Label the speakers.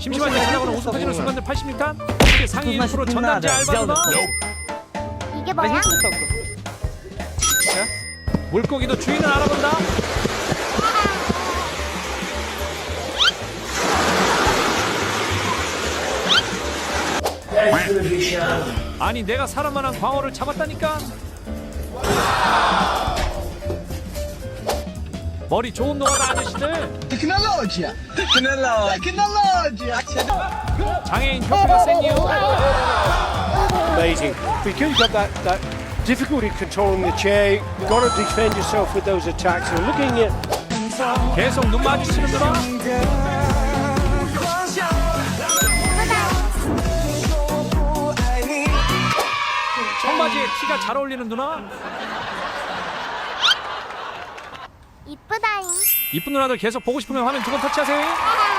Speaker 1: 심심할 때 찾아가는 웃음 터지는 순간들 86탄. 이게 상위 1% 전남자 알바누나.
Speaker 2: 이게 뭐야?
Speaker 1: 물고기도 주인을 알아본다. 아니 내가 사람만한 광어를 잡았다니까. 머리 좋은 노가다 아저씨들. 장애인 협회가 센 이유.
Speaker 3: Amazing. Because you've got that difficulty controlling the chair, you've got to defend yourself with those attacks. So looking at
Speaker 1: 계속 눈 마주치는 누나. 청바지에 티가 잘 어울리는 누나.
Speaker 2: 이쁘다잉.
Speaker 1: 이쁜 누나들 계속 보고 싶으면 화면 두 번 터치하세요.